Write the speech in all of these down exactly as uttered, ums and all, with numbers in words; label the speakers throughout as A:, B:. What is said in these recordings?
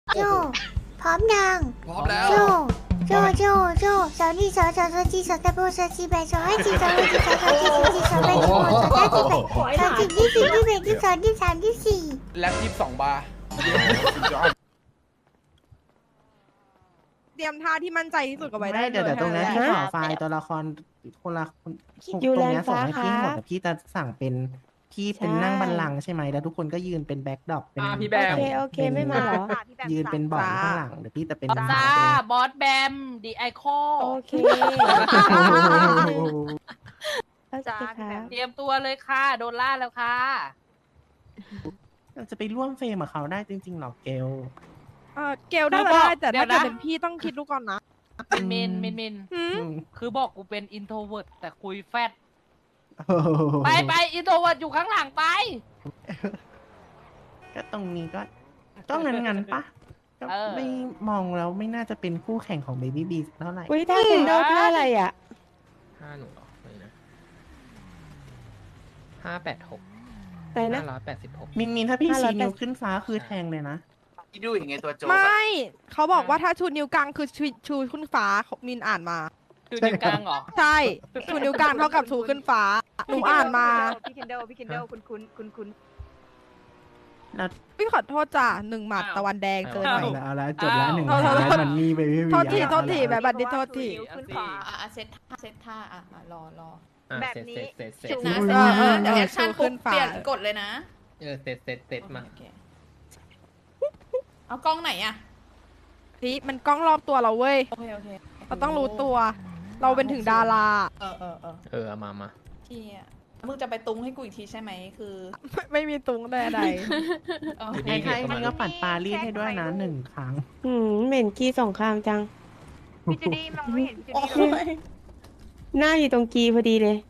A: โจพร้อมยัง
B: พร้อมแล้ว
A: โจโจโจโจสาวนี่สาวสาวสาวจีสาวตะโบสาวจีแบสาวให้จีสาวให้จีสาวสาวจีสาวจีสาวแบสาวสาวจีแบสาวจีที่สี่ที่แบที่สองที่สามที่สี่
B: แล็บยี่สิบสองบาร์
C: เตรียมท่าที่มั่นใจที่สุดกับไว้ได้
D: ไม่เดี๋ยว
C: ล
D: เดี๋ยวตรงนั้น
C: แค่
D: พี่ข
C: แห
D: อ
C: ละ
D: ไฟล์ตัวละครคนละคน
E: อยู่
D: ตรงเนี้ย
E: แลนด์
D: ส่ง
E: ฟ้า
D: ให้พี่หมด
E: ครับ
D: แต่พี่จะสั่งเป็นพี่เป็น
E: ใช่
D: นั่งบัลลังก์ใช่ไหมแล้วทุกคนก็ยืนเป็นแบ็คดรอปเป็น
B: อ่าพี่แบ
E: โอ
B: ม
E: เคโอเคไม่มาเหรอ
D: ยืนเป็นบอร์ดข้างหลังเดี๋ยวพี่จะเป็น
F: จ้าบอสแบมดีไอคอ
E: โอเค
D: โอ้โห
E: โอเคครับ
F: เตรียมตัวเลยค่ะ โดนล่าแล้วค่ะ
D: เราจะไปร่วมเฟรมกับเขาได้จริงๆหรอเกล
C: เออเกลได้
F: คือบอก
C: ได้แต่
F: เดี๋ย
C: ถ้าว
F: นะ
C: เกิดเป็นพี่ต้องคิดดูก่อนนะ
F: มินมินมินมิน
C: หืม
D: อืม
F: คือบอกกูเป็นอินโทรเวิร์ดแต่คุยแฟด
D: โอ้โห
F: ไปไปอินโทรเวิร์ดอยู่ข้างหลังไป
D: ก็ตรงนี้ก็ก็งันงันๆปะก็
F: เออ
D: ไม่มองแล้วไม่น่าจะเป็นคู่แข่งของเบบี้บีเท่าไหร่
E: อุ้ยท่าเซนโดท่าอะไรอ่ะ
G: ห้าหนูเหรอไม่นะห้าแปดหก
E: อะไรนะ
G: ห้าร้อยแปดสิบหก
D: มินมินถ้าพี่
E: ห้าร้
D: ชี้
E: อยแปด
D: นิ้วขึ้นฟ้าคือแทงเลยนะ
B: พี่ดูอย่างไงตัวโจ๊ก
C: ไม่
B: อะ
C: เขาบอกว่าถ้าชูนิ้วกลางคือชูชูขึ้นฟ้ามินอ่านมา
F: คือนิ้วกลางเหรอ
C: ใช่ชูนิ้วกลางเท่ากับชูขึ้นฟ้าหนูอ่านมา
H: พี่เคนเดลพี่เคนเดลคุณคุณคุณคุณ
D: แล้ว
C: พี่ขอโทษจ้ะหนึ่งหมัด
F: อ้าว
C: ตะวันแดงเกิน
D: เอา
C: ไป
D: ละเอาละจดละหนึ่ง
C: เอาละ
D: แล้วมันมีเบบี้บี
C: โทษทีโทษทีแบบบัดนี้โทษที
H: นิ้วขึ้นฟ้า
I: อ่ะเซตท่าเซตท่าอ่ะอ่ะรอรอ
G: อ่ะ
H: แบบ
G: เสร็จ
H: นี้
G: เสร็จเสร็จ
I: จุ
G: เสร็
I: ด
G: จ
I: นะ
C: เอ
I: เซต
C: อเออ
I: เดี๋ยว
C: เออ
I: แอคชั่น
C: ชูขึ้
I: ปุ๊บ
C: นฟ้า
I: เปลี่ยนกดเลยนะ
G: เออเสร็จเสร็จเสร็จมา
I: โอเคเอากล้องไหนอ่ะ
C: พี่มันกล้องรอบตัวเราเว้ย
I: โอเคโอเค
C: เราต้องรู้ตัว เราเป็นถึงดารา
I: เออเออเออ
G: เออเอามามา
I: ที่อ่ะมึงจะไปตุ้งให้กูอีกทีใช่ไหมคือ
C: ไม่ไม่มีตุงแต่ใด
I: เออ
D: ไอ้ใครมันก็ปัดปารีดให้ด้วยนะหนึ่งครั้ง
E: อืมเหม็นกี้สงครามจัง
H: พี่จูดี้มองไม่เห็นพี่จู
I: โอ้
H: ดี้เลย
I: ย
E: หน้าอยู่ตรงกีพอดีเลย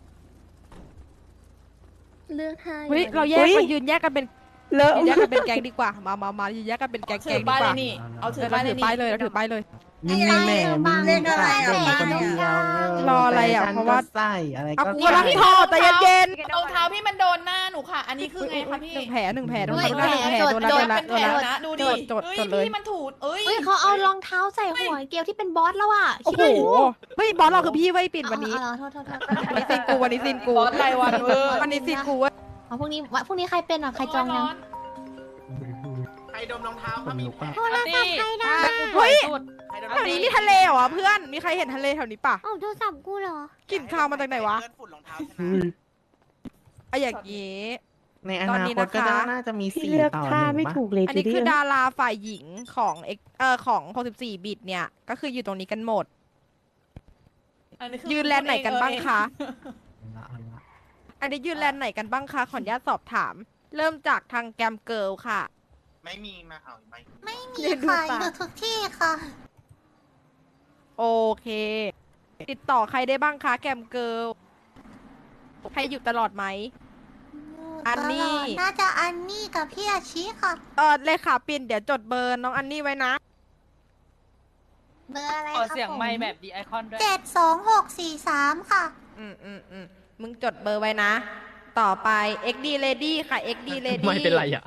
A: เลือกท่า
C: เฮ้ยเราแยก
E: อุ๊ย
C: มายืนแยกกันเป็น
E: เลอะ
C: ยืนแยกกันเป็นแก๊งดีกว่า มามามายืนแยกกันเป็นแก๊ง
I: ถื
C: แก๊
I: อง
C: ดี
I: ป้าย
C: ก
I: เล
C: ว่า
I: ยนี่ เอาถือ
C: เรา
I: ป้ายเล
C: ถื
I: ย
C: อ
I: นี่
C: ป้ายเลยเราถือป้ายเลย
D: มินมีแหม่มิน
I: เล่นอะไรอ่ะ
D: เด่นคนเดียว
C: รออะไรอ่ะ
D: แฟชั่น
C: เพราะว่า
D: ก็ใส่อะไร
C: เอา
D: ก็
C: กูกำลังทอแต่เย็น
I: รองเท้าพี่มันโดนหน้าหนูค่ะ อันนี้คือไงคะพี่
C: หนึ่งแผลหนึ่งแผลโดน
I: เฮ้ย
C: โดนหนึ่งแผลโดนแล้ว
I: โด
C: โด
I: น
C: นแล้ว
I: เป็น
C: โด
I: แผ
C: น
I: ล
C: แล้ว
I: นะดูดิ
C: จดจด
I: เอ้ย
C: จดเลย
I: พี่มันถูดเอ้ย
A: เฮ้ยเขาเอารองเท้าใส่หัวเกลที่เป็นบอสแล้วอ่ะ
C: โอ้โหเฮ้ยบอสเราคือพี่ไว้ยปิดวันนี้
A: อ๋อโทษโทษโทษ
C: วันนี้ซินกูวันนี้ซินกู
I: บอสรายวันเวอร์
C: วันนี้ซินกูเว้ย
A: อ๋อพรุ่งนี้วันพรุ่งนี้ใครเป็นอ่ะใครจองยัง
B: ใครดมรองเท้า
D: ค
B: เขา
D: น
B: มี
D: ลุก
B: แผล
D: อะ
A: โทรศัพท์ใครนะ
F: ถ้ากูถอยสุด
B: ใครดม
C: แถวนี้มีทะเลเหรอเพื่อน มีใครเห็นทะเลแถวนี้ปะ
A: เอ้าโทรศัพท์กูเหรอก
C: ลิ่นคาวมาจากไหนวะ
B: เพื่อนฝุ่นรองเท้าช
D: เฮ้
B: นะ
D: ย
C: ไอ้อย่างงี้
D: ในอ
C: ตอน
D: นา
C: นี้
D: คต
C: นะคะ
D: ก็จะน่าจะมี
E: พี่
D: สี่
E: เลือก
D: ต่อห
E: ท่า
D: นึ่ง
E: ไม่
D: ปะ
E: ถูกเลย
C: อัน
E: จู
C: นี้
E: ดี้
C: คือดาราฝ่ายหญิงของเอกเอ่อของหกสิบสี่บิตเนี่ย ก็คืออยู่ตรงนี้กันหมด
I: อัคือ
C: ยืนแลนด์ไหนกันบ้างคะ
D: เอาละเอาละ
C: อันนี้ยืนแลนด์ไหนกันบ้างคะ ขออนุญาตสอบถาม เริ่มจากทางแกมเกิลค่ะ
B: ไม่มีมาเอาไม่
A: ไม่มี
C: เดี๋ยวดู
A: ค่ะ
C: ปาก
A: อยู่ทุกที่ค่ะ
C: โอเค ติดต่อใครได้บ้างคะแกมเกิลใครอยู่ตลอดไหม อันนี้
A: ตลดน่าจะอันนี่กับพี่อาชิค่ะ
C: เออเลขาปิ่นเดี๋ยวจดเบอร์น้องอันนี่ไว้นะ
A: เบอร์อะไร
F: ขอ
A: ครับ
F: เสียง
A: ผม
F: ไม่แบบดีไอคอนด้วย
A: เจ็ดสองหกสี่สามค่ะ
C: อืมอืมอืมมึงจดเบอร์ไว้นะ ต่อไป เอ็กซ์ ดี Lady ค่ะ เอ็กซ์ ดี Lady
G: ไม่เป็นไรอ่ะ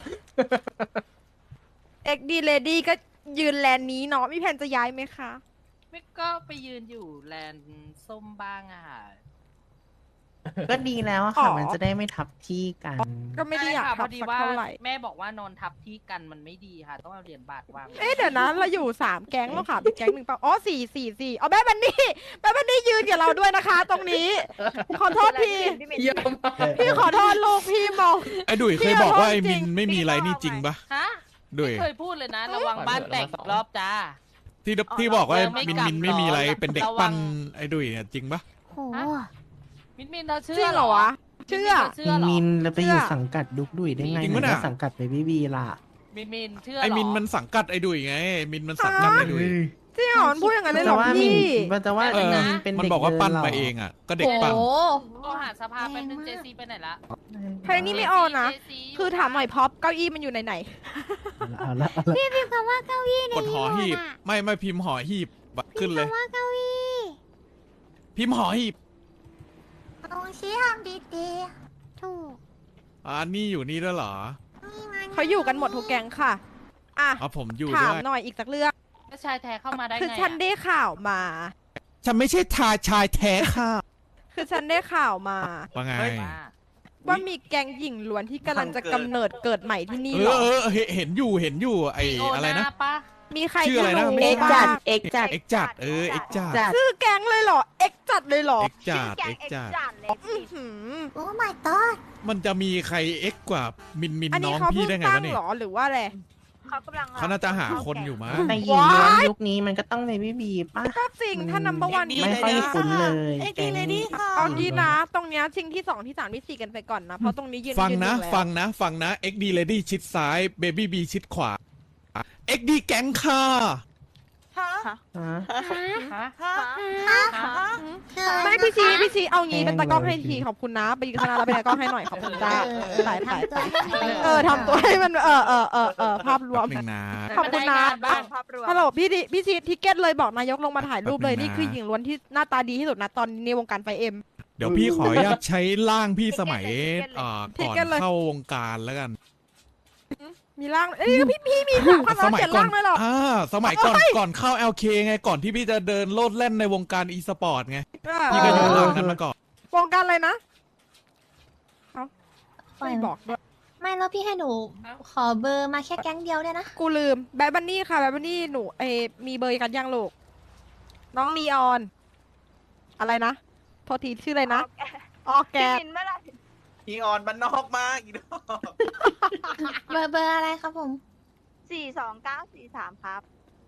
C: เอ็กซ์ ดี Lady ก็ยืนแลนด์นี้เนาะมีแผนจะย้ายไหมคะ
F: ไม่ก็ไปยืนอยู่แลนด์ส้มบ้างอ่ะ
D: ก็ดีแล้วอะค่ะ มันจะได้ไม่ทับที่กัน
C: ก็ไม่ได้อยาก
F: ใช่ค่ะพ
C: ทั
F: อบ ดี
C: สัก
F: ว่า
C: เท่าไหร่
F: แม่บอกว่านอนทับที่กันมันไม่ดีค่ะ ต้องเอาเหรียญบาทวาง
C: เอ๊ะเดี๋ยวนะเราอยู่สามแก๊งแล้วค่ะเป็นแก๊งหนึ่งเปล่าอ๋อสี่สี่สี่เอาแม่บันนี่แม่บันนี่ยืนกับเราด้วยนะคะ ตรงนี้ ขอโทษพี่
H: พี่เม
G: เยี่ยมมาก
C: พี่ขอโทษลูกพี่มอง
J: ไอ้ดุยเคยบอกว่าไอ้มินไม่มีอะไรนี่จริงปะ
F: ฮะ
J: ดุย
F: ไม่เคยพูดเลยนะ ระวังบ้านแตกอีกรอบจ้า
J: ที่ที่บอกว่า
F: เออไม่
J: มิน
F: กลับ
J: มินไม่มีอะไร
F: หรอ
J: เป็นเด็ก
F: ระวัง
J: ปั้นไอ้ดุยเนี่ยจริงปะ
A: โห
F: มินมินเราเชื่
C: จริ
F: อง
C: เหรอวะเชื่อ
F: มินมินเชื่อเหรอ
D: มินแล้วไปอยู่สังกัดดุกดุยได้ไง
J: จริง
D: ไห
J: ปะ
D: น
J: เนี่ย
D: ว่าสังกัดเบบี้บีล่ะ
F: มินมินเชื่อเหรอ
J: ไอ้มินมันสังกัดไอ้ดุยไง มินมันสังกัดไอ้ดุย
C: จริงเหรอมันพูดอย่างนั้นเลยเหร
D: แต่
C: อ
D: ว่ามิน
C: พี่
D: มันจะว่า
J: เออ
D: มินเป็น
J: มัน
D: เด็ก
J: บอกว่าปั้น
D: ดิหร
J: มาเองอ่ะ ก็เด็กปั้น
I: โอ้
F: โทรหาสภาแป๊บนึงเจซีไปไหนละ
C: ใครนี่ไม่ออนนะ
F: เจซียู่
C: คือถามหน่อยพ็อปเก้าอี้มันอยู่ไหนไหน
D: เอาละเอาละ
A: พี่พิมพ์คำว่าเก้าอี้ใน
J: กดหอหีบ
A: โหมดอะ
J: ไม่ไม่พิมพ์หอหีบบัตรขึ้นเลย
A: พิมพ์คำว่าเก้าอี้
J: พิมพ์หอหีบ
A: ลองชี้ทำดีๆถูก
J: อ่านี่อยู่นี่ด้วยเหรอ
A: นี่มัน
C: เขาอยู่กันหมดทุกแก๊งค่ะอ่ะ
J: อ๋อผมอยู่
C: ถา
J: ด้
C: ม
J: วย
C: หน่อยอีกสักเรื่อง
F: แล้วชายแท้เข้ามาได้ไง
C: คือฉัน
F: อะ
C: ได้ข่าวมา
J: ฉันไม่ใช่ทายชายแท้ค่ะ
C: คือฉันได้ข่าวมา
J: ว่าไง
F: ว่า
C: ว่ามีแก๊งหญิงล้วนที่กำลังจะกำเนิดเกิดใหม่ที่นี่
J: เอ
C: เหร
J: อ
C: อ
J: เออเออเห็นเห็นอยู่เห็นอยู่ไอ
F: มีโ
J: อะไรนะ
F: ปะ
C: มีใคร
J: ชื่ออะไรนะ
C: ที่
J: ไม่
E: เอ็
C: รู้
E: ก
C: บ้า
E: จัด
C: ง
E: เอ็กจัด
J: เอ็กจัดเออเอ็กจัด
E: จัด
C: ชื่อแก๊งเลยเหรอ เอ็กจัดเลยเหรอ
J: เอ็กจัด
H: แกง
J: เอ็ก
H: เอ็ก
J: จัด
H: จัดเลย
C: อื้อหือ
A: โอ้ my god
J: มันจะมีใครเอ็กกว่ามินมิน
C: อัน
J: น้
C: นี้
J: อง
C: เขา
J: พี่
C: เพิ่ง
J: ได้ไง
C: ตั้
J: วะ
C: ง
J: เนี่ย
C: เหรอหรือว่าอะไร
H: เขากำลัง
J: เขาน่าจะหาคนอยู่มั้ง
D: แต่หญิงล้วนยุคนี้มันก็ต้องเบบี้บีป่ะ
C: ก็จริงถ้านัมเบอร์วัน
D: ไม่ค่อยคุ้นเลยแก๊ง
C: เอางี้นะ ตรงเนี้ยชิงที่สองที่สามที่สี่กันไปก่อนนะ เพราะตรงนี้ยืน
J: ฟัง
C: ยื
J: นะ
C: อยู่แล้ว
J: ฟังนะฟังนะ เอ็กดีเลดี้ชิดซ้ายเบบี้บีชิดขวาเอ็กดีแก๊งค่ะ
D: ฮะ
F: ฮะฮะ
C: ไม่พี่ชีพี่ชีเอางี้เป็นตากล้องให้ทีขอบคุณนะไปยืนข้างหน้าแล้วเป็นตากล้องให้หน่อยขอบคุณจ้าตายตายตายเออทำตัวให้มันเออเออเออเออภาพรวม
J: หนึ่งนะ
C: ขอบคุณนะ
F: ได้งานบ้าง
H: ภาพรวม
C: ฮัลโหลพี่ดิพี่ชีทิเก็ตเลยบอกนายกลงมาถ่ายรูปเลย
J: แป๊บนึงนะ
C: นี่คือหญิงล้วนที่หน้าตาดีที่สุดนะตอนนี้ในวงการไฟเอ็ม
J: เดี๋ยวพี่ขออนุญาตใช้ร่างพี่สมัยเอ่อ
C: ทิ
J: ก่อน
C: เก็ตเลย
J: เข้าวงการแล้วกัน
C: มีร่างเอ้ยพี่พี่มีความ
J: ส
C: สามารถ
J: มัย
C: เขียน
J: ก่อ
C: ร่าน งเลยเหรอ
J: อ่าสมัยก่อนก่อนเข้า แอล เค ไงก่อนที่พี่จะเดินโลดแล่นในวงการอีสปอร์ตไงพี่ก็อยู่ร่างนั้นมาก่อน
C: วงการอะไรนะเอ้าไม่บอกด้วย
A: ไม่แล้วพี่ให้หนูขอเบอร์มาแค่แก๊งเดียวเนี่ยนะ
C: กูลืมแบดบันนี่ค่ะแบดบันนี่หนูเอมีเบอร์กันยังลูกน้องนีออน อะไรนะโทษทีชื่ออะไรนะออแก
H: พี่มินเมื่อไหร่
B: อีออนบ้านนอกมากอีดอก
A: เบอร์เบอร์อะไรครับผม
H: สี่สองเก้าสี่สามครับ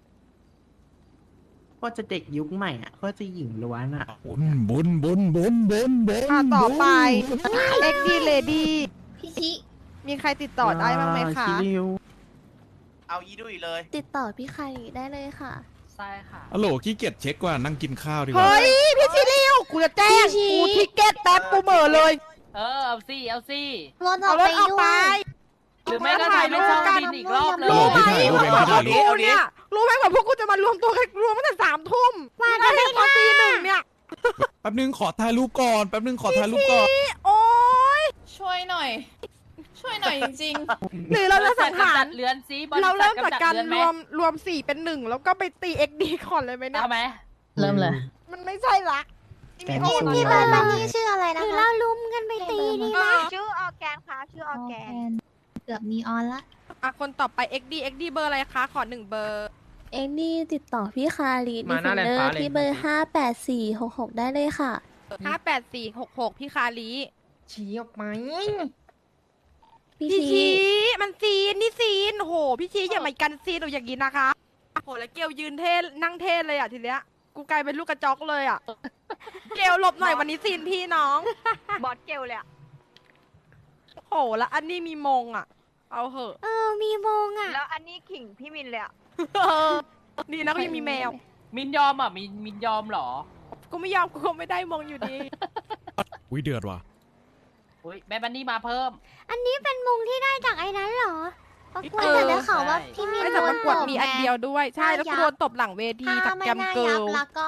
D: ก็จะเด็กยุคใหม่อ่ะก็จะหญิงล้วนอ่ะ
J: บุญบุญบุญบุญบุญบุญ
C: อ่ะต่อไปเอ็กดีเลดี้
A: พี่ชิ
C: มีใครติดต่อได้บ้างไหมคะ
D: ชิริว
B: เอาอีดุยเลย
A: ติดต่อพี่คาริได้เลยค่ะ
F: ใช่ค่ะ
J: ฮัลโหลขี้เกียจเช็คว่านั่งกินข้าวดีกว่า
C: เฮ้ยพี่ชิลิวกูจะแจ้ง
A: พี่ชิ
C: กูทิเก็ตแป๊บกูเหม่อเลย
F: เออเอาสิเอาสิ
A: รถอ
C: เอา
A: อก
C: ร
A: ไป
C: ถออก
A: ด้ว
C: ไป
A: ย
F: หรือไม่ก็ถ่ายเป็นช่องบินอีกรอบเล
C: รู้
J: โอ้
C: ไหม
J: พี่ถ่ายรูปเอง
C: ว่า
J: พี่
C: พว
J: ถ่าก ยรูป
C: กูเนี่ยรู้ไหมว่าพวกกูจะมารวมตัวกันรวมตั้งแต่สามทุ่มมากันได้ตอนตีหนึ่งเนี่ย
J: แป๊บนึงขอถ่ายรูปก่อนแป๊บนึงขอถ่ายรูปก่อน
C: โอ๊ย
I: ช่วยหน่อย ช่วยหน่อยจริง
C: หรือเราจะสังหาร
F: เรือนซีบริ
C: เรา
F: ษั
C: เริ่
F: ท
C: มจาก
F: กำจัด
C: การ
F: เรือนไห
C: ร
F: ม
C: วมรวมสี่เป็นหนึ่งแล้วก็ไปตีเอ็กดีก่อนเลยไหมเนี่ย
F: เอาไหม
G: เริ่มเลย
C: มันไม่ใช่ละ
D: แก๊ง
C: โอ้
D: ส
C: ย
D: วย
A: พี่เบอร์มันนี่ชื่ออะไรนะ
H: หรือ
A: คะ
H: เรา
A: ลุมกันไปตีดีไหม
H: ชื่อออร์แกนครับชื่อออร์แกน
A: เกือบนีออนละ
C: อ่ะคนต่อไป เอ็ก ดี เอ็ก ดี เบอร์อะไรคะ ขอหนึ่งเบอร์
A: เอ็กนี่ติดต่อพี่คาริ
G: มาหน้าแลนด์ฟ้าเลย
A: ที่เบอร์ห้าแปดสี่หกหกได้เลยค่ะ
C: ห้าแปดสี่หกหกพี่คาลี
G: ชี้ออกไหม
A: พี่
C: พี่
A: ชี
C: ชีมันซีน นี่ซีนโห พี่ชีอย่ามากันซีนหนูอย่างนี้นะคะโหแล้วเกลยืนเท่นั่งเท่เลยอ่ะทีเนี้ย กูกลายเป็นลูกกระจอกเลยอ่ะ เกลหลบหน่อยวันนี้ซีนพี่น้อง
H: บอสเกลเลยอะ
C: โหแล้วอันนี้มีมงอ่ะ เอาเหอะ
A: เออมีวงอ่ะ
H: แล้วอันนี้ขิงพี่มินเลยอะ
C: เออดีนะก็ยังมีแมว
F: มินยอมอ่ะมินมินยอมเหรอ
C: กูไม่ยอมกูก็ไม่ได้มงอยู่ดี
J: อุ้ยเดือดว่ะ
F: อุ้ยแม่บันนี่มาเพิ่ม
A: อันนี้เป็นมงที่ได้จากไอ้นั้นเหรอประกวด
C: เออ
A: แต่ได้ข่าวว่า
F: ใช่
A: พี่มี
C: ไม่แต่ประกวดมีอันเดียวด้วย ใช่
A: หน้า
C: แล้ว
A: ยั
C: กู
A: บ
C: โดนตบหลังเวที
A: ถ้า
C: จาก
A: ไม่
C: แกม
A: น่า
C: เกิ
A: ยั
C: ล
A: บแล้วก็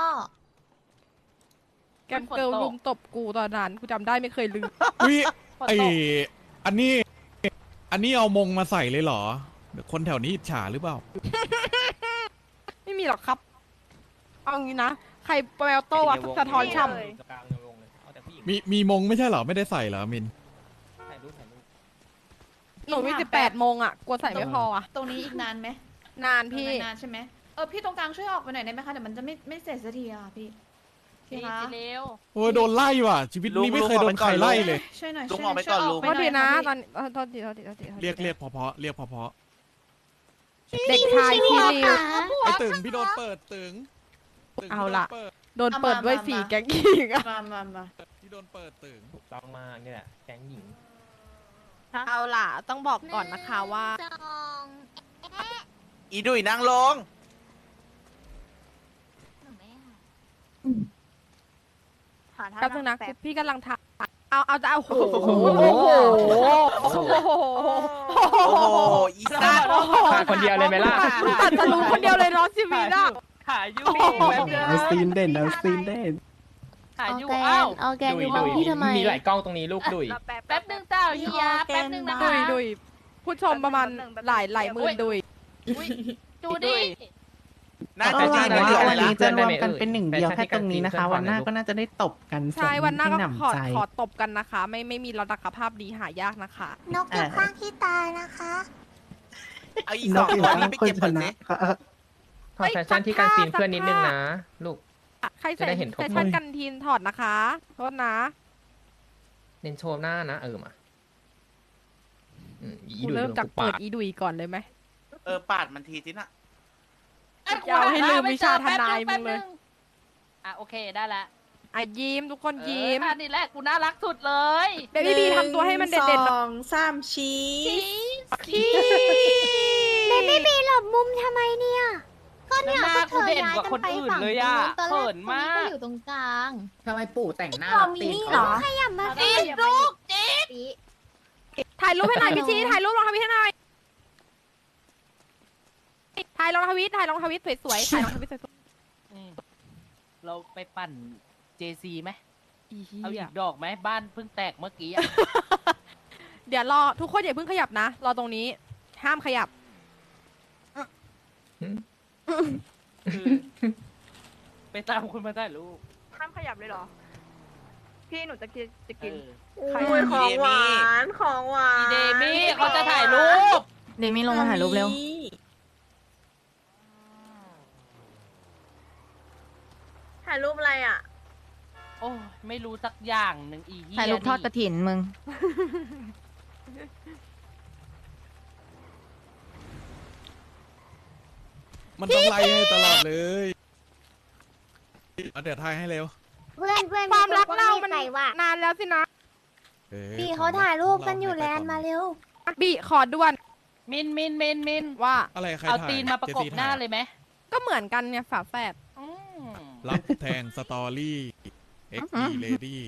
C: แกมเกิลลุมตบกูตอนนั้นกูจำได้ไม่เคยลืม
J: อุ้ย
F: ฝน
J: ไอ
F: ตก
J: อันนี้ อันนี้เอามงมาใส่เลยเหรอเดี๋ยวคนแถวนี้อิจฉาหรือเปล่า
C: ไม่มีหรอกครับ เอางี้นะ ใครแปลโต้อะสะท้อนช่
H: เลย
G: กลางในวงเลยเอาแต่ผู้หญิง
J: มีมีมงไม่ใช่เหรอไม่ได้ใส่เหรอมิน
G: ถ่ายรูปถ่ายรูป
C: ำหนูมีสิบแปดโมงอะกลัวใส่ไม่พออะ
I: ๆ ตรงนี้อีกนานไหม
C: นานพี่
I: นานๆใช่ไหมเออพี่ตรงกลางช่วยออกไปหน่อยได้ไหมคะเดี๋ยวมันจะไม่ไม่เสร็จสักทีอะค่ะพี่
F: พี่
I: คะ
F: จิเร็ว
J: โอ้ยโดนไล่ว่ะ ชีวิตนี้ไม่เคยโดนใครไล่เลย
I: ช่วยหน่อย
B: ลุง
I: ช่วย
B: ออกไป
I: ช่วย
B: ก่อน
I: อ
B: ลุ
I: อก
B: ง
I: ไป
C: โทษ
I: หน่
C: ที
I: อย
C: นะ
I: ค่ะ
C: ตอนเออโทษทีโทษทีโทษทีโทษที
J: เรียกเรียกเพราะๆเรียกเพราะ
C: เด็กชายพี่ริว
J: ๆไอ้ตึงพี่โดนเปิดตึงตึง
C: เอาล่ะ
J: พี่โดนเปิด
C: โดนเปิดด้วยสี่แก๊งยิงอะ
I: มามามา
J: พี่โดนเปิดตึง
G: ถูกต้องมากนี่แหละแก๊งหญิง
C: เอาล่ะ ต้องบอกก่อนนะคะว่า
A: หนึ่งสอง
B: อีดุยนั่งลง
H: หาท่า
C: แป๊บนึงนะ
H: แป๊บ
C: พี่กำลังทำเอาเอาจะเอาโหโอ้โห
B: โอ้โห อีสัตว์
G: ขาดคนเดียวเลยไหมล่ะ
C: ตัดจะรู้คนเดียวเลยเนาะชีวิตอะ
F: ถ่ายอยู่
C: โอ้โห
F: แป๊บเดียว
D: เอาซีนเด่นเอาซีนเด่น
F: ถ่าย
A: เอา
F: อยู่
A: แก
F: อ้าน ว
A: เอาแกน
G: ดุ
A: อย ยู่ห้อง
G: ดุย
A: พี่ทำไม
G: มีหลายกล้องตรงนี้ลูกดุย
H: รอแป๊บ
F: แป๊บนึงเจ้าเฮียแป๊บนึงนะ
C: ดุ
F: คะ
C: ยดุยผู้ชมประมาณหลายหลายหมื่นดุย
F: ดูดิ
B: น่า
D: ก็
B: จะ
D: ว่า
B: ใช่
D: กัน
B: นะ
D: ว่า
B: เดี๋ยว
D: วัน
B: นะ
D: นี้จะรวมกันเป็นหนึ่งเดียวแค่ตรงนี้นะคะ วันหน้าก็น่าจะได้ตบกัน
C: ใช่วันหน้าก็
D: ส่
C: ขอ
D: ที่ำใจ
C: ขอตบกันนะคะ ไม่ไม่มีระดับภาพดีหายากนะคะ
A: นกอยู่ข้างที่ตายนะคะ
B: เอาอีกสองตัวนี้ไปเก็บก่อนสิ
G: ถอดแฟชั่นที่การซีนเพื่อนนิดนึงนะ ลูก
C: ใคร
G: จะ
C: ใส่
G: ได้เห็นทบ
C: แฟชั่นกันทีนถอดนะคะโทษนะ
G: เน้นโชว์หน้านะ เออมาอืมอี
C: กู
G: ดุย
C: เริ่มจาก
G: ป
C: เปิดอีดุยก่อนเลยไหม
B: เออปาดมันทีสินะ
C: จะเอาให้ลืมวิชาทนายมึงเลย
F: อ่ะโอเคได้ละ
C: อ่ะยิ้มทุกคนยิ้ม
F: เออท่านี่แหละกูน่ารักสุดเลย
C: เบบี้บีทำตัวให้มันเด่นๆหน่อย
I: สองสามชี
C: พี่
A: เบบี้บีหลบมุมทำไมเนี่ย ก็เนี่ย
F: หน้า
A: ก็เธ
F: กู
A: อ
F: เด่น
A: ย้าย
F: กว่า
A: กั
F: คน น
A: ไป
F: อื่น
A: ฝั่ง
F: เลย
A: นู้
F: อ่ะ
A: นตอนแร
F: เขิ
A: ก
F: น
A: คน
F: มา
A: นี้ก็
F: ก
A: อยู่ตรงกลาง
K: ทำไมปู่แต่งหน้า
A: เรา
K: รับ
A: มิ
K: ตีน
A: นี่
K: เขา
A: เหรอ
K: อะ
A: ขยับมา
F: จีบลูกจีบ
A: สิ
C: ถ่ายรูปให้หน่อยพี่ชีถ่ายรูปลองทวิตให้หน่อยถ่ายลองทวิตถ่ายลองทวิตสวยๆถ่ายลองทวิตสวย
F: อืมเราไปปั่น เจ ซี ไหม
C: ๆอีเหี้
F: เอาอี
C: ย
F: กดอกไหมบ้านเพิ่งแตกเมื่อกี้อะ
C: เดี๋ยวรอทุกคนอย่าเพิ่งขยับนะ รอตรงนี้ ห้ามขยับ
F: คือไปตามคุณมาได้ลูก
H: ห้ามขยับเลยเหรอ พี่หนูจะกินจะ
F: เอ
H: กิน
F: อ
H: ใคร
B: อุ้ยของหวาน
H: ของหวา
F: อี
H: น
F: เดมี่เขาจะถ่ายรูป
I: เดมี่ลงมาถ่ายรูปเร็ว
H: ถ่ายรูปอะไรอ่ะ
F: โอ้ยไม่รู้สักอย่างหนึ่งอีเหี้ย
I: ถ่ายรูปทอดกระถินมึง
J: มันต้องไล่ให้ตลอดเลยเอาเดี๋ยวทายให้เร็ว
A: เพื่อนเพื่อน
C: ความรักเรามัน
A: ใส่ว่าน
C: านแล้วสินะ
J: เอ๊ะ
A: พี่เขาถ่ายรูปกันอยู่แลนด์มาเร็ว
C: บีขอด่วน
F: มินมินมินมิน
C: ว่า
J: อะไรใคร
F: เอา
J: ถ่าย
F: ตีนมาประกบ
J: จสซี่
F: หน้า
J: ถ่
F: เลยไหม
C: ก็เหมือนกันเนี่ยฝาแฝด
F: อืม
J: รับแทงสตอรี่เอ็กซ์ดีเลดี้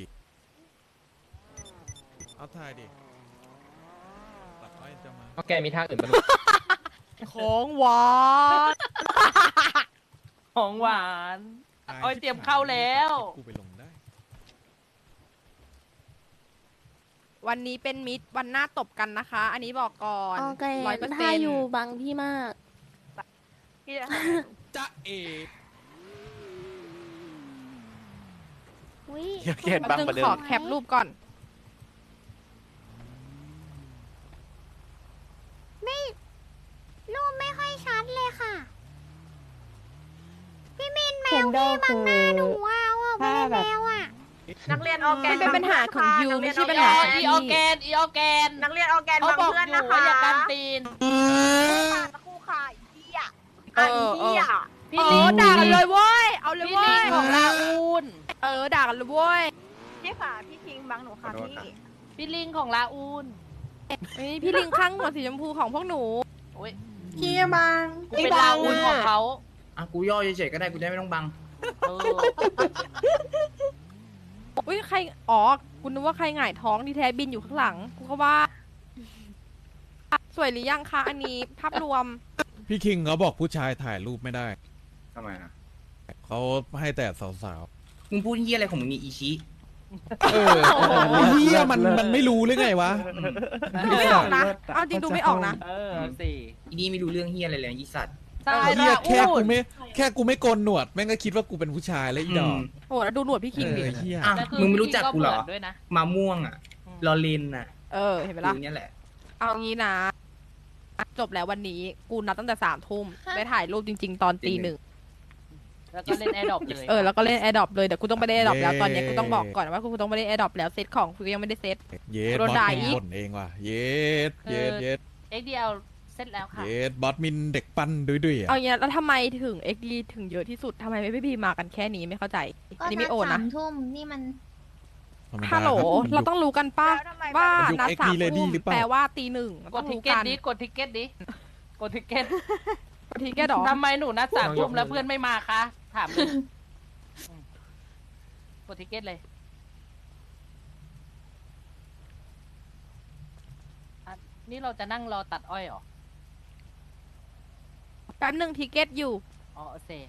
J: เอาถ่ายดิตัดไว้จะมา
G: โอเคมีท่าอื่นปะลูก
C: ของหวาน
F: ของหวาน โอ้ยเตรียมเข้าแล้ว
J: กูไปลงได้
C: วันนี้เป็นมิตรวันหน้าตบกันนะคะ อันนี้บอกก่อน
A: โอเค
C: ร้อยเปอร์เซ็
A: ถ้าน
C: ต์
A: อยู่บังพี่มาก
H: พี่จะ
J: จ๊ะเอ
A: อุ้ย
B: เดี๋ยวเขียนบัง
C: นึง
B: ประเดิ
C: ขอ
B: ม
C: แคปรูปก่อน
A: ไม่รูปไม่ค่อยชัดเลยค่ะ พี่มินแม
E: เคน
A: ว
E: โด
A: พี่บั
E: คื
A: ง
E: อ
A: หน้าหนูว้าวอ่ะไม่
E: ถ้า
A: ได้
E: แบบ
A: แมวอ่ะ
H: นักเรียนออร์แกน
C: มันเป็นปัญหาของยูไม่ใช่ปัญหา
F: อ๋ออีออร์แกนอีออร์แกน
H: นักเรียนออร์แกน
F: เขา
H: บาง
F: บอก
H: เพื่อน
F: อ
H: นะ
F: ยู่
H: คะ
F: ว่าอย่ากันตีน
H: ค่ะตะคู่ค่ะไอ้เหี้ย
C: เอ
H: ไอ้
C: อเออ
H: เหี้ย
F: พี่
C: เอ
F: ลิ
C: อง ด่ากันเลยเว้ย เอาเลย
F: พี่
C: เว้
F: ลิ
C: ย
F: งของลาอูน
C: เออด่ากันเลยเว้ย
H: พี่ค่ะพี่คิงบังหนูค่ะพี่
F: พี่ลิงของลาอูน
C: เฮ้ยพี่ลิงข้างหัวสีชมพูของพวกหนู
F: โอ้ย
I: พี่บัง
F: กูเป็นลาอูนของเขา
K: อ่ะกูย่อเฉยๆก็ได้กูได้ไม่ต้องบัง
F: เออ
C: อุ้ยใคร อ๋อ กูนึกว่าใครหงายท้องที่แท้บินอยู่ข้างหลัง กูก็ว่า สวยหรือยังคะอันนี้ภาพรวม
J: พี่คิงเขาบอกผู้ชายถ่ายรูปไม่ได้
K: ทำไมอ่ะ
J: เขาให้แต่สาว
K: มึงพูดเฮียอะไรของมึงนี่อีชิ
J: ๆ เออเฮียมันมันไม่รู้หรือไงวะ
C: ดูไม่ออกนะ เอาจริงดูไม่ออกนะ
F: เออสิ
K: อีนี่ไม่รู้เรื่องเฮียอะไรเลยอีสัตว์
F: ตาย
J: เฮีย
F: ลา
J: แค่
F: อู
J: กู
F: น
J: ไม่แค่กูไม่โกนหนวดแม่งก็คิดว่ากูเป็นผู้ชายแล้วอีดอก
K: ม
C: โอ้แล้วดูหนวดพี่คิงดิ
J: เออเฮีย
K: อ่ะ
F: แต่คือ
K: มึงไม่รู้จักกูเหรอ
F: พี่ลิงมืนด้วยนะ
K: มาม่วงอ่ะ ลอเลนน่ะ
C: เออ เห็นไหมล่ะ
K: กูเนี่ยแหละ
C: เอางี้นะ จบแล้ววันนี้ กูนัดตั้งแต่สามทุ่มได้ถ่ายรูปจริง ๆ ตอนตีหนึ่ง
F: แล้วก็เล่นแอร์ดรอปเลย
C: เออ แล้วก็เล่นแอร์ดรอปเลย เดี๋ยวกูต้องไปเล่นแอร์ดรอปแล้ว
J: เย้
C: ตอนเนี้ยกูต้องบอกก่อนว่ากูต้องไปเล่นแอร์ดรอปแล้วเซตของกูยังไม่ได้เซต
J: เยส
C: โด
J: บอน ส
C: ด่า
J: มิน
C: อีก
J: บ่นเองว่ะเยสเยสเยส
F: เอ็กดีเอลเสร็จแล้วค่ะ
J: เยสบอสมินเด็กปั้นดุยๆอ่ะ
C: เอาอย่างเงี้ยแล้วทำไมถึง เอ็กซ์ ดี ถึงเยอะที่สุดทำไมไม่พี่มากันแค่นี้ไม่เข้าใจ
A: ก็
C: อันนี้
A: นั
C: ไม่
A: ด
C: โอน
A: สา
C: นะ
A: มทุ่มนี่มัน
J: ธรรมดา
C: ฮัลโหล
J: ครับ
C: เราต้องรู้กันป้า
H: แล้วทำไม
C: ว่า
J: ยุค
C: นัด
J: เอ็กซ์
C: สาม
J: ดีเลดี้
C: ทุ่ม
J: หรือเปล่า
C: แปลว่าตีหนึ่ง
F: กดทิเก็ตดิกดทิเก็ตดิกดทิเก็ต
C: กดทิเก็ตหรอ
F: ทำไมหนูนัดสามทุ่มแล้วเพื่อนไม่มาคะถามเลยอืมกดทิเก็ตเลยอ่ะนี่เราจะนั่งรอตัดอ้อยเหรอ
C: แป๊บหนึ่งทิเก็ตอยู่
F: อ๋อโอเค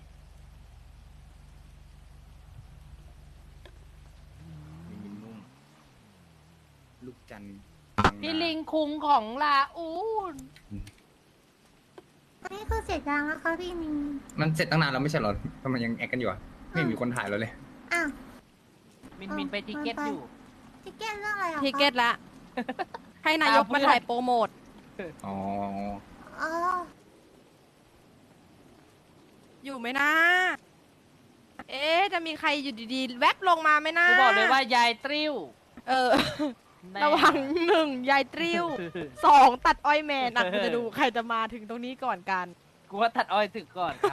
K: มินนุ่มลูกจันทร์
F: พี่ลิงคุงของลาอูน
A: นี่คือเสร็จยังแล้วคะพี่มิน
K: มันเสร็จตั้งนานแล้วไม่ใช่เหรอทำไมยังแอคกันอยู่อ่ะไม่มีคนถ่ายเราเลย
A: อ้าว
F: มินมินไปทิเก็ตอยู่
A: ทิเก็ตเรื่องอะไรอ่ะ
C: ทิเก็ตละ ให้นายกมาถ่ายโปรโมท
K: อ๋อ
A: อ๋อ
C: อยู่ไหมนะ เอ๊ะ จะมีใครอยู่ดีๆ แวบลงมาไหมนะ
F: กูบอกเลยว่ายายตริ้ว
C: เออ
F: แน่
C: ระวังหนึ่งยายตริ้ว สองตัดอ้อยแมนอ่ะกูจะดูใครจะมาถึงตรงนี้ก่อนกัน
F: กูว่าตัดอ้อยถึงก่อนค่ะ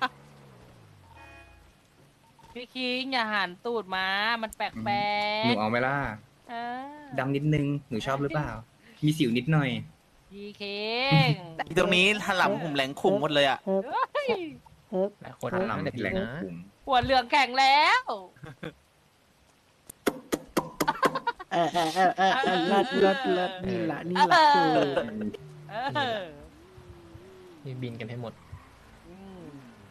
F: พี่คิงอย่าหันตูดมา มันแปลก
K: หนู
F: ๆ
K: เอาไหมล่ะ
F: เออ
K: ดำนิดนึงหนูชอบหรือเปล่า มีสิวนิดหน่อย
F: พี่คิง
B: ตรงนี้ถลำหุ่มแหลงขุมหมดเลยอ่ะ
E: เฮิบ
F: เฮ้ย
E: เฮิบ
G: หลายคน
K: หันหลั
G: ทำ
K: ง
G: แต่
K: ติ
G: ดี
K: ดแรง
G: นะ
K: กลุ่ม
F: หัวเหลืองแข็งแล้ว
D: เออเออเออเออเออเลิศเลิศเลิศนี่แหละนี่แหละคือ
F: เออ
G: มีบินกันให้หมด
F: อืม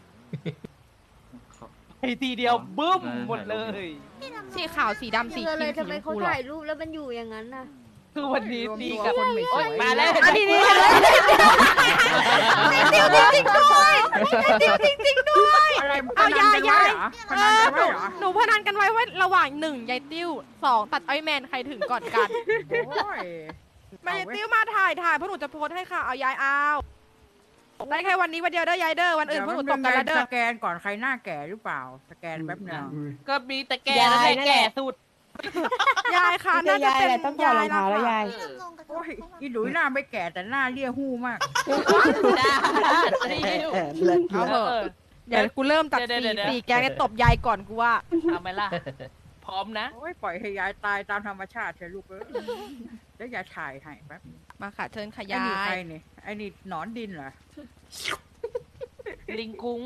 F: ไอ้ทีเดียวบึ้มหมดเลย
C: สีขาวสีดำสี
A: เจ
C: ค
A: อ
C: รี
A: เลย
C: มสี
A: ทำไม
C: ชม
A: เขา
C: พูเหรอ
A: ถ่ายรูปแล้วมันอยู่อย่างนั้นน่ะ
F: คือวันนี้ตีกับ
D: คนไม่ส
F: โอ๊
D: วย ย
F: มาแล้ว
C: อันนี้นี่เลยติวจริงๆด้วยติวจริงๆด้วย
D: อะไร
C: เอายายยาย
D: พนันกันไว้เหรอ
C: หนูพนันกันไว้ว่าระหว่างหนึ่งยายติ้วสองตัดอ้อยแมนใครถึงก่อนกัน
D: โอ้ย
C: มายายติ้วมาถ่ายถ่ายเพราะหนูจะโพสให้ค่ะเอายายเอาได้แค่วันนี้วันเดียวเด้อยายเด้อวันอื่นพวกหนูตกกันแล้วเด้อ
D: สแกนก่อนใครหน้าแก่หรือเปล่า สแกนแป๊บหนึง
F: ก็มีแต่แก่นั่นแหละแก่สุด
C: ยายค่ะ
E: พี่
C: น่า
E: จะ
C: จะ
E: ยาย
C: เป็น
E: อะไรต้องถอดรองเท้าแล้วยาย
D: โอ้ยอีหลุยหน้าไม่แก่แต่หน้าเลี่ยหู้มาก
F: จ้าติ้ว
C: เอาเถอะเดี๋ยวกูเริ่มจาก
F: เดี๋ยว
C: สี่
F: เดี๋ยว
C: สี่แกงตบยายก่อนกูว่า
F: เอาไหมล่ะ พร้อมนะ
D: โอ้ยปล่อยให้ยายตายตามธรรมชาติเถอะลูกเอ้ยแล้วยายถ่ายให้แป๊บ
C: มาค่ะเชิญค่ะ
D: ไอ้
C: ยา
D: นี่ใคร
C: ย
D: นี่ไอ้นี่หนอนดินเหรอ
F: ลิงกุ้ง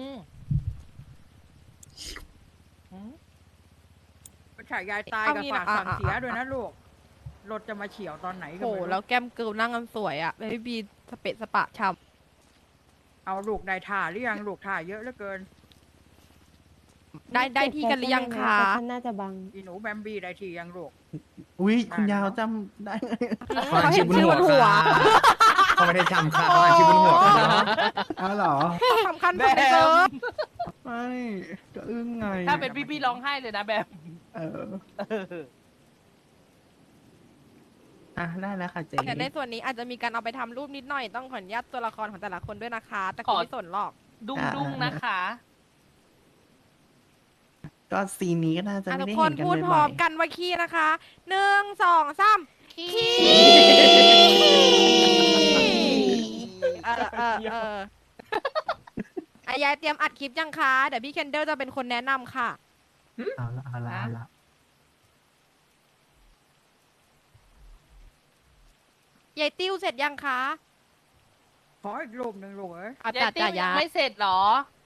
F: หืม
D: ถ่ายยายตายกับฝากสั่งเสียด้วยนะลูกรถจะมาเฉียวตอนไหนก็
C: โอ้
D: ไม่
C: โห
D: รู้
C: แล้วแก้มเกิลนั่งกันสวยอ่ะเบบี้บีสเปะสปะฉ่
D: เอาลูกได้ถ่าหรือยังลูกถ่าเยอะเหลือเกิน
C: ำได้ได้ที่กันหรือยังคะ
E: ฉันน่าจะบัง
D: อีหนูแบมบี้ได้ที่ยังลูก
L: อุ้ยคุณยาวจำได้
C: เขาเห็นชื่อบนหัว
K: เขาไม่ได้จำค่ะเขาอ่านชื่อบนหัวค่ะ
L: อ้าวเหรอ
C: สำคัญสุดในเซิร์ฟ
L: ไม่ก็อึ้งไง
F: ถ้าเป็นพี่พี่ร้องไห้เลยนะแบบ
L: เออ
F: เออ
L: อ่ะได้แล้วค่ะเจ๊
C: แต่ในส่วนนี้อาจจะมีการเอาไปทำรูปนิดหน่อยต้องขออนุญาตตัวละครของแต่ละคนด้วยนะคะ แต่คุณไม่สนหรอก
F: ดุ้งดุ้งนะคะ
L: ก็ซีนนี้ก็น่าจะ
C: อ่ะ
L: ไม่
C: ทุก
L: ได้
C: ค
L: เห็
C: น
L: นกัน
C: พูดพ
L: บ่
C: ร้อ
L: อ
C: ม
L: ย
C: กันว่าขี้นะคะหนึ่งสองสามขี้เออเออเอออายายเตรียมอัดคลิปยังคะเดี๋ยวพี่เคนเดลจะเป็นคนแนะนำค่ะ
L: ๆเอาละเอาละเอาละ
C: ยายติ้วเสร็จยังคะ
D: ขออีกรูปหนึ่งลูกเอ้ย
C: เอา
F: ยา
C: จั
F: ย
C: ด
F: ติ้
C: จ่าว
F: ยั
C: ยาง
F: ไม่เสร็จเหรอ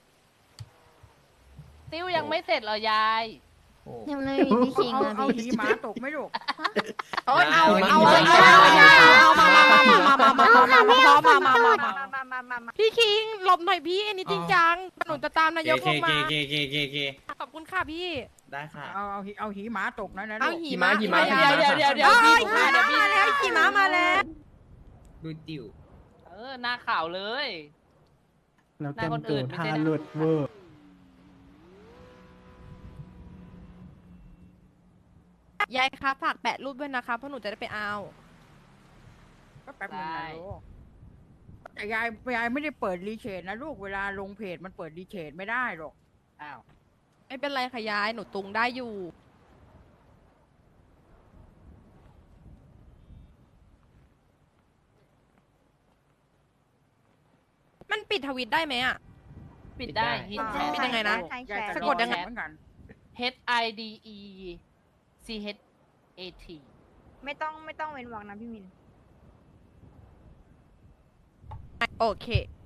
F: ติ้วยังไม่เสร็จเหรอยาย
G: โอ้
A: ยังเลยมีพี่คิง
D: เอา
A: มา
D: เอา
A: พี่
D: หีหมาตกไหมลูก
C: โอ้ยเอา
G: ไม่
C: เอา
G: ไม่
C: เอา
G: ไม่
C: เอาเอามามามามามามามามามามามามามา
H: มามามามามา
C: พี่คิงหลบหน่อยพี่อันนี้จริงจังหนูจะตามนายก
K: เค
C: ลงมา
K: เคเคเคเคเค
C: ขอบคุณค่ะพี่
K: ได้ค่ะ
D: เอาเอาหีเอาหีหมาตกนะนะ
C: เอา
D: ลูก
C: หิมะ
G: หิมะ
C: เดี๋
G: หิ
C: ยว
G: มะ
C: เดี๋ยวเดี๋ยว
F: เดี๋ยวเดี๋ยว
C: เดี๋ยว
F: เดี๋ยวพี่
C: หิมะมาแล้วหิมะมาแล้ว
K: ดูติว
F: เออหน้าขาวเลย
L: แล้วแก
F: หน้าค
L: ม
F: นอื่
L: เกิ
F: น
L: ด
F: ไม่
L: ทา
F: ใช่นะ
L: หลุดเวอร์
C: ยายคะฝากแปะรูปด้วยนะคะเพราะหนูจะได้ไปเอา
D: ก็แป๊บหนึงนะลูกแต่ยายยายไม่ได้เปิดรีเชดนะลูกเวลาลงเพจมันเปิดรีเชดไม่ได้หรอก
F: อ้าว
C: ไม่เป็นไรค่ะยายหนูตุงได้อยู่ มันปิดทวิตได้ไหมอ่ะ
F: ปิดได้ฮิตแชท
C: ปิดยังไงนะ
D: ยาย
C: สะกดยังไง
D: เหมือนกัน
F: H I D E C H A T
H: ไม่ต้องไม่ต้องเว้นวรรคนะพี่มิน
C: โอเค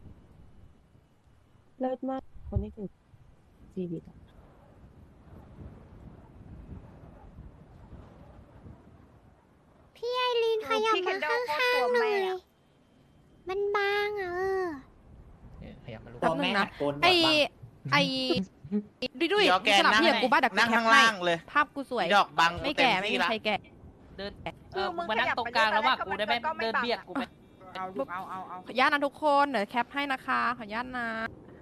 E: เลิศมาก คนที่ถึงชีวิตอะ
A: พี่ไอรีนขยับ
H: พี่
A: มา
H: Kendall
A: ข้าง
H: โคตรตัว
A: ๆห
H: แม่
A: น่อย
H: อะ
A: มันบางอ่ะเออ
G: เนี่ยขยับมาลูก
C: แป๊บนึงนะ ไอไอดุยดุย
B: เดี๋ยวแก
C: สลับ
B: นั่ง
C: พี่กับกูบ้าเดี๋ยวกู
B: นั่ง
C: แคป
B: ข้าง
C: ให้
B: ล่างเลย
C: ภาพกูสวย
B: ดอกบัง
C: ไม่
B: เต็
C: แก่
B: ม
C: ไม่
B: ที่
C: มี
B: ละ
C: ใครแก่
F: เดิน เออมึงมานั่งตรงกลางระหว่างกูได้ไหมเดินเบียดกูไหม
D: เอาลูกเอาเอาเอา
C: ขออนุญาตนะทุกคนเดี๋ยวแคปให้นะคะขออนุญาตนะ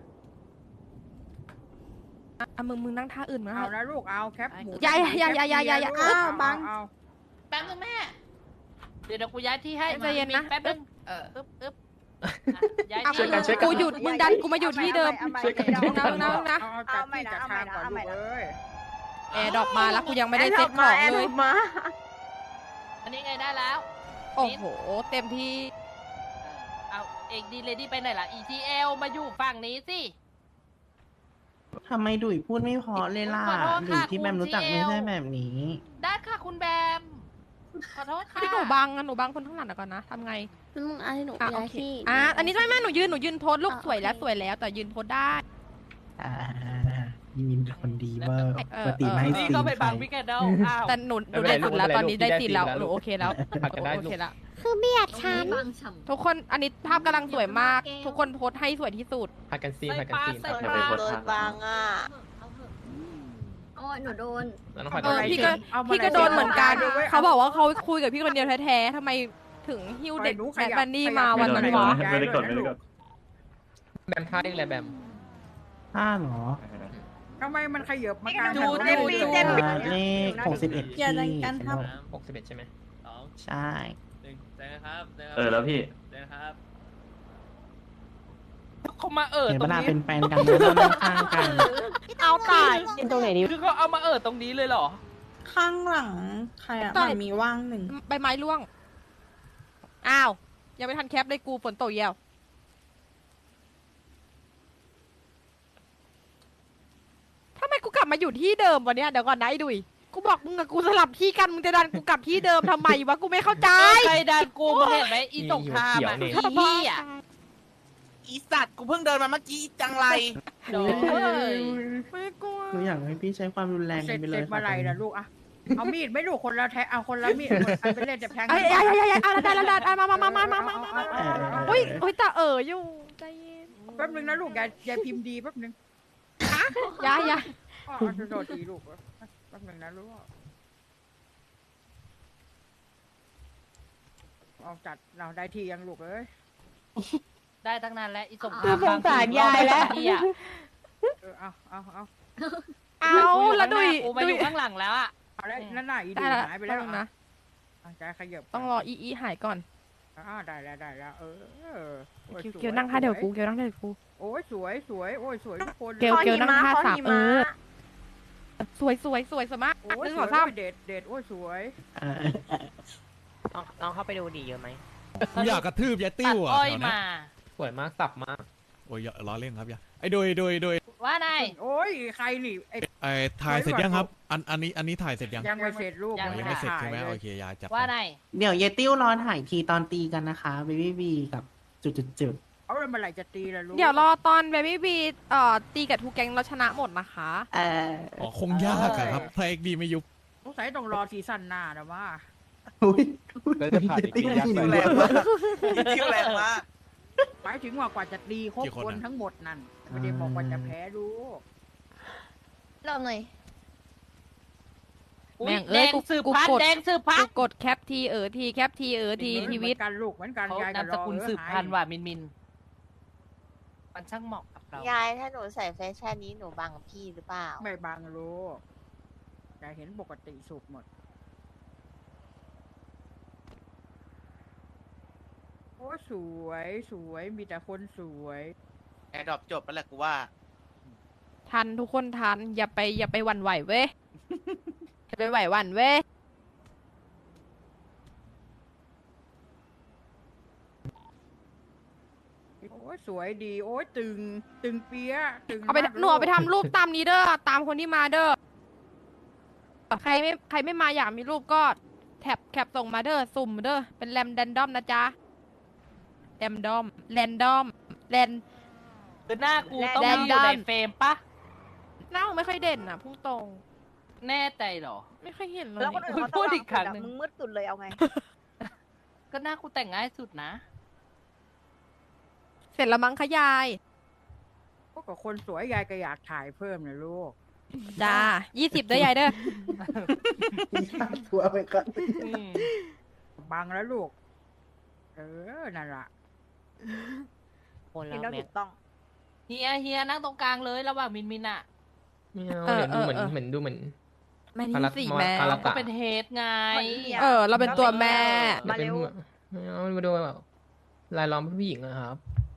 C: อ่ะมึงมึงนั่งท่าอื่นมา
D: เอานะลูกเอาแคปหมู
C: อย่าอย่าอย่าอย่าอย่าอย่า
D: ลูก
C: อ้าวบัง
D: เอา
I: แป๊บนึงแม่
F: เดี๋ยวเดี๋ยวกูย้ายที่ให้
C: ใจเย็นนะ
F: แป๊บนึงเอออึ๊บอึ๊บอ่ะย้าย
C: อ่ะ
F: ที่
C: กูหยุดมึงดันกูมาอยู่ที่เดิม
H: ช่วยกัน
C: นะนะนะ
D: เอาเอาจัดที่จัดทางก่อนลูกเอ้ย
C: แอร์ดรอปมาแล้วกูยังไม่ได้เซ็ตของเลย
F: อันนี้ไงได้แล้ว
C: โอ้โหเต็มที่
F: เอาเอกดีเลดี้ไปไหนล่ะ อี ที แอล มาอยู่ฝั่งนี้สิ
L: ทำไมดุยพูดไม่เพอเลยล่ะ
F: ขอโทษ
L: ดุ
F: ค่ะ
L: ยที่แบมรู้จัก
F: คุณ
L: ไม่
F: จีเอล
L: ใช่แบบนี้
F: ได้ค่ะคุณแบม ขอโทษค่ะ
C: ที่หนูบังอะหนูบังคนข้างหลังเดี๋ยวก่อนนะทำไง
A: มึงอะไรหนู
C: อ่ะโอ
A: ย้าย
C: เค
A: ที่
C: อ่ะอันนี้ใช่ไหมหนูยืนหนูยืนโพสลูก
A: อ่ะ
C: สวยแล้ว
A: โอเค
C: สวยแล้วแต่ยืนโพสได้
L: อ่ายินคนดีเวอร์
C: เออ
L: ปกติไม่ให้
F: นี่
L: ซีน
F: ก็ไป
L: ใคร
F: บังวิกเกดเดิลอ้าว
C: แต่หนูหนูได้สุดแล้วตอนนี้ได้ติดแล้วหนูโอเคแล้วโอเคแล้ว
A: คือเบียดฉัน
C: ทุกคนอันนี้ภาพกำลังสวยมาก ทุกคนโพสให้สวยที่สุด
G: ผัดกันซีน
F: ใส่
G: ผัดกัน
F: ปลา
G: ซีน
F: ใส่
G: ผัด
F: ป
G: กัน
F: ลา
G: ซีน
H: บางอ่ะ
A: โอ้ยหนูโดน
G: แล้วน้องผัด
C: เอ
G: กัน
C: อ
G: ซีน
C: พี่ก็พี่ก็โดนเหมือนกัน เขาบอกว่าเขาคุยกับพี่คนเดียวแท้ๆทำไมถึงหิ้วเด็กแบดบันนี่มาวันนั้นวะ
K: ไม่ได้กดไม่ได้กด
G: แบมท่าเองแหละแบม
L: ห้าเหรอ
D: ทำไมมันขยับมากลาง
F: ดู
D: ถนน
F: เต็มปีเต็มปี
L: อ่าเลขหกสิบเอ็ดที่
G: หกสิบเอ็ดใช่ไหม
L: ใช่
K: เออแล้วพี่
F: เขามาเออ
L: เห็น
F: ตร
L: เว
F: ง
L: ลา
F: นี้
L: เป็นแฟนกันแล้วนั่งข้างกัน
C: เอาตาย
E: กินตรงไหนดี
F: คือเขาเอามาเออตรงนี้เลยเหรอ
I: ข้างหลังใครอ่ะมันมีว่างหนึ่ง
C: ใบไม้ร่วง อ้าว ยังไม่ทันแคปเลยกูฝนตกเยี่ยวทำไมกูกลับมาอยู่ที่เดิมวันเนี้ยเดี๋ยวก่อนนะไอ้ดุยกูบอกมึงกับกูสลับที่กันมึงจะดันกูกลับที่เดิมทำไมวะกูไม่เข้าใจ
F: ใครดันกูมึงเห็นไหมอีสงครามอ่ะอีเหี้ย
B: อีสัตว์กูเพิ่งเดินมาเมื่อกี้จังไร
F: โดย
C: ไม่กลัว
L: หนูอยากให้พี่ใช้ความรุนแรง
D: เสร็จ
L: ไปเล
D: เสร็
L: ย
D: จเมื่อไหร่นะลูกอะเอามีดไม่ลูกคนละแทะเอาคนละมีดคนใครไปเล่นจะแทง
C: ไอ้ไอ้ไอ้ไอ้ไอ้เอาละได้ละได้อ่ะมามามามามามามา
D: เอาเอาเอาเอา
C: อุ้ยอุ้ยตาเอ๋ออยู่ใจเย็น
D: แป๊บนึงนะลูกอย่าอย่าพิมพ์ดีแป๊บนึง
C: อย่าอย่า
D: อ๋อโดดดีลูกแป๊บนึงนะลูกเอาจัดเราได้ทียังลูกเอ้ย
F: ได้ตั้งนานแล้วอีสงค
E: คื
F: รา
E: อ
F: ม
E: สงสารยายแล้ว
F: เหี้ย
D: เออเอาเอาเอา
C: เอาแล้วดุย
F: กูมา
C: ดุ
F: อย ยู่ข้างหลังแล้วอ่ะ
D: เอาแล้วนั่นน่ะอี
C: ได้
D: ดี
C: ละ
D: หายไปแล้ว
C: แป๊บนึงนะ
D: อ่ะใจขยับ
C: ต้องรออีอีหายก่อน
D: อ่าได้แล้วได้แล้วเออเออโอ้ย
C: เกียว
D: ส
C: เกียวนั่งท่าเดียวกูเกียวนั่งท่าเดียวกู
D: โอ้ยสวยสวยโอ้ยสวยทุกคน
C: เกียวเกียวนั่งท่าสามเออสวยสวยสวยสวยมาก
D: โอ้ย
C: หนึ่ง
D: ส
C: ส
D: ว
C: อย งสาม
D: โอ้ยเด็ดเด็ดโอ้ยสวย
L: อ่า
B: น้องเข้าไปดูดีเยอะไหม
J: กูอยากกระทืบยาย
F: ตั
J: ติ้
F: ด
J: วอ่ะ
F: อ้อย
J: แถวเนี้ย
F: มา
G: สวยมากสับมาก
J: โอ้ยอย่าล้อเล่นครับอย่าไอ้โดยโดยโดย
F: ว่าไง
D: โอ้ยใครนี่ไอ้
J: ไอ้ถ่ายเสร็จยังครับ อันอันนี้อันนี้ถ่ายเสร็จยัง
D: ยังไม่เสร็จลูก
F: ยัง
J: อ๋อยังไม่เสร็จใช่ไหมโอเคยายจัด
F: ว่าไง
L: เดี๋ยวเยติ้วรอถ่ายทีตอนตีกันนะคะเบบี้บีกับจุดจุดจุด
D: เอาแล้วเมื่อไหร่จะตีล่ะลูก
C: เดี๋ยวรอตอนเบบี้บีเอ่อตีกับทูแกงเราชนะหมดนะคะ
L: เออ
J: อ๋อคงยากอะครับถ้าเอ็กดีไม่ยุบ
D: สงสัยต้องรอซีซั่นหน้านะว่า
L: อุ้ย
G: แล้วจะผ่านอีกกี่ยักษ์
B: แรงมากที่แรงมาก
D: หมายถึงว่ากว่าจะตีครบคนทั้งหมดนั่นไม่ได้บอกว่าจะแพ้ลูก
A: รอบหน่อย
F: อุ๊ย
C: แม่งเอ้
F: แด
C: ย
F: ง
C: กู
F: สืบ
C: กู
F: พัน
C: กด
F: แดงสืบพั
C: กู
F: น
C: กดแคปทีเออทีแคปทีเออทีทีวิต
D: เหมือนกันลูกเหมือนกัน
F: เขา
D: ยาย
F: นา
D: กั
F: ม
D: บ
F: ส
D: รอ
F: กุล
D: เออ
F: สืบ
D: หาย
F: พันธุ์ว่ะมินมิน มันช่างเหมาะกับเรา
H: ยายถ้าหนูใส่แฟชั่นนี้หนูบังพี่หรือเปล่า
D: ไม่บางลูกยายเห็นปกติสุกหมดโอ้สวยสวยมีแต่คนสวย
B: แอร์ดรอปจบแล้วแหละกูว่า
C: ทันทุกคนทัน อย่าไปอย่าไปหวั่นไหวเว้ย อย่าไปไหวหวั่นเว้ย
D: โอ้ยสวยดี โอ้ยตึง ตึงเปียะตึง
C: เอาไป
D: มาก
C: หนูเอาไป
D: ลูก
C: ทำรูปตามนี้เด้อตามคนที่มาเด้อใครไม่ใครไม่มาอยากมีรูปก็แท็บแคปส่งมาเด้อสุ่มเด้อเป็นแรมแรนดอมนะจ๊ะแรมดอมแรนดอมแรน
F: คือหน้ากูต้อง
C: แด
F: มี
C: น
F: อยู่ใน
C: ดำ
F: เฟรมปะ
C: หน้ามึงไม่ค่อยเด่นอ่ะพุ่งตรง
F: แน่ใจเหรอ
C: ไม่ค่อยเห็นเลย
H: แล้วคนอื่นเขา
F: พู
H: ต้อง
F: ดอีกครั้งหนึ่ง
H: มึงมืดสุดเลยเอาไง
F: ก็หน้ากูแต่งง่ายสุดนะ
C: เสร็จแล้วมั้งคะยาย
D: พวกกับคนสวยยายก็อยากถ่ายเพิ่มนะลูก
C: จ้ายี่สิบเด้อยายเด้อ
L: ทัวร์ไปก่อน
F: อืม
D: บังแล้วลูกเออนั่นละ
B: คน
H: พี่
B: แล้ว
H: ต้อง
B: แม็
H: ถู
B: ก
H: กต้อง
F: เฮียเฮียนั่งตรงกลางเลยระหว่างมินมินอะ
G: ไม่เอา
C: เออ
G: เดี๋ยวดูเหมือน
C: เออเออ
G: เหมือนดูเหมือน
C: แม่
G: พารั
C: นี่
G: ก
C: สิ
G: มา
C: แม่
G: พารัก
F: ก็
G: อะ
F: เป็นเฮดไง
C: เออ เราเป็นตัวแม่
H: มาเร็ว
G: ไม่เอามาดูแบบลายล้อมเป็นผู้หญิงนะครับ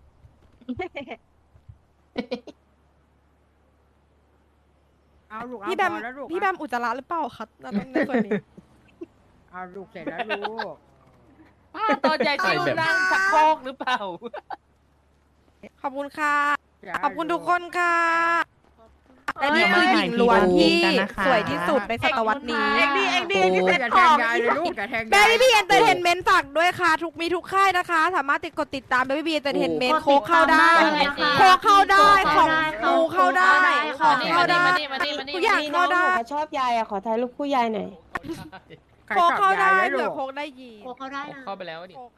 D: เอาลูกเอา
C: พี่แบม
D: พอแล้วลูก
C: พี่แบมอุจจาระหรือเปล่าครับในส่วนนี้
D: เอาลูกเสร็จแล้วลูก
F: ป้าตอนใหญ่ที่
G: ใส่แบบ
F: นั่งชักโครกหรือเปล่า
C: ขอบคุณค่ะ
D: จ้า
C: ขอบคุณทุกคนค่ะ
L: เอ้
C: และ
L: ย
C: นี่คือหญิงล้วนที่
L: กันนะคะ
C: สวยที่สุดในศตวรรษนี้
H: เอ็งดีเอ็งดีเอ็งดี
D: อย่าแทงยายเลยลูกอย่าแทง
C: เบ
D: ยาย
C: บี้บีเอนเตอร์เทนเมนต์ฝากด้วยค่ะ ทุกมีทุกค่ายนะคะ สามารถติดกดติดตามเบบี้บีเอนเตอร์เทนเมนต์โคกเข้าได้ โคกเข้าได้ของปูเข้าได้ของ
F: มานี่
C: เข้าได้
F: มานี่มานี่มานี่
C: ทุกอย่าง
E: มีน้อ
C: เข้าง
E: หนู
C: ได้
E: ก็ชอบยายอะขอถ่ายรูปคู่ยายหน่อย
D: ใคร
C: โคก
D: ชอบ
C: เข้าย
D: าย
C: ได้
D: เลย
C: เหลื
D: ลู
C: อก โคกได้ยี
A: โคเขาได้นะ
G: เข้าไปแล้วดิ
C: โคก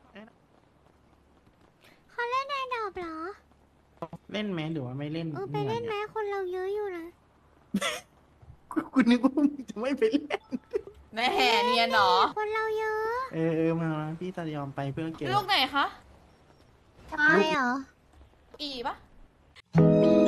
A: เขาเล่นแอร์ดรอปเหรอ
L: เล่นไหมหรือว่าไม่เล่น
A: เออไปเล่นไหมคนเราเยอะอยู่นะ
L: คุณนึกว่ามึงจะไม่ไปเล่น
I: แม่เนียนเหรอ
A: คนเราเยอะ
L: เออเออมาพี่จะยอมไปเพื่อเกม
I: ลูกไหนคะ
A: ใช่เหรอ
I: อีปะ
A: มี